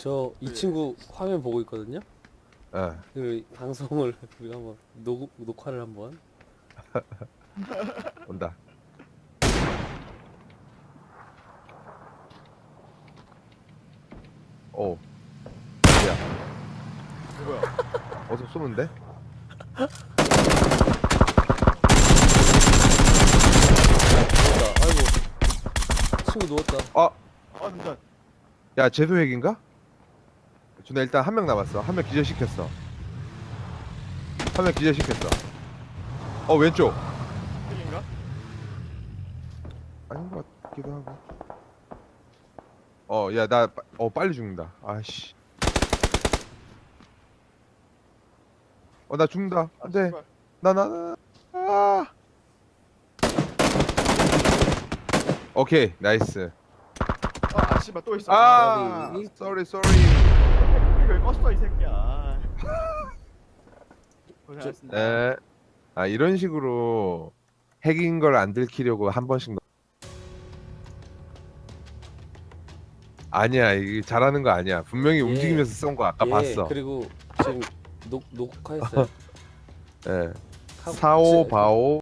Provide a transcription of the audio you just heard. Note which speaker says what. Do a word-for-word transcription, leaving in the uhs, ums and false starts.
Speaker 1: 저 이 친구 화면 보고 있거든요.
Speaker 2: 예.
Speaker 1: 그 방송을 우리가 한번 녹 녹화를 한번.
Speaker 2: 온다. 오. 야,
Speaker 3: 뭐야?
Speaker 2: 어서 쏘는데?
Speaker 1: 누웠다. 아이고. 친구 누웠다.
Speaker 2: 아,
Speaker 3: 아 잠깐.
Speaker 2: 야, 제도 핵인가? 준아 일단 한 명 남았어. 한 명 기절시켰어. 한 명 기절시켰어. 어, 왼쪽.
Speaker 3: 핵인가?
Speaker 2: 아닌 것 같기도 하고. 어, 야, 나, 빠- 어, 빨리 죽는다. 아씨. 어, 나 죽는다.
Speaker 3: 아,
Speaker 2: 안 돼.
Speaker 3: 씨발.
Speaker 2: 나, 나, 나. 아. 오케이, 나이스.
Speaker 3: 아, 아 씨발 또 있어.
Speaker 2: 아,
Speaker 1: sorry.
Speaker 2: sorry, sorry.
Speaker 3: 이걸 껐어 이 새끼야. 아. 고생하셨습니다.
Speaker 2: 에. 아, 이런 식으로 핵인 걸 안 들키려고 한 번씩 넣... 아니야, 이게 잘하는 거 아니야. 분명히
Speaker 1: 예.
Speaker 2: 움직이면서 쏜 거 아까
Speaker 1: 예.
Speaker 2: 봤어.
Speaker 1: 그리고 지금 녹 녹화했어요.
Speaker 2: 예.
Speaker 1: 하고-
Speaker 2: 사오
Speaker 1: 지-
Speaker 2: 바오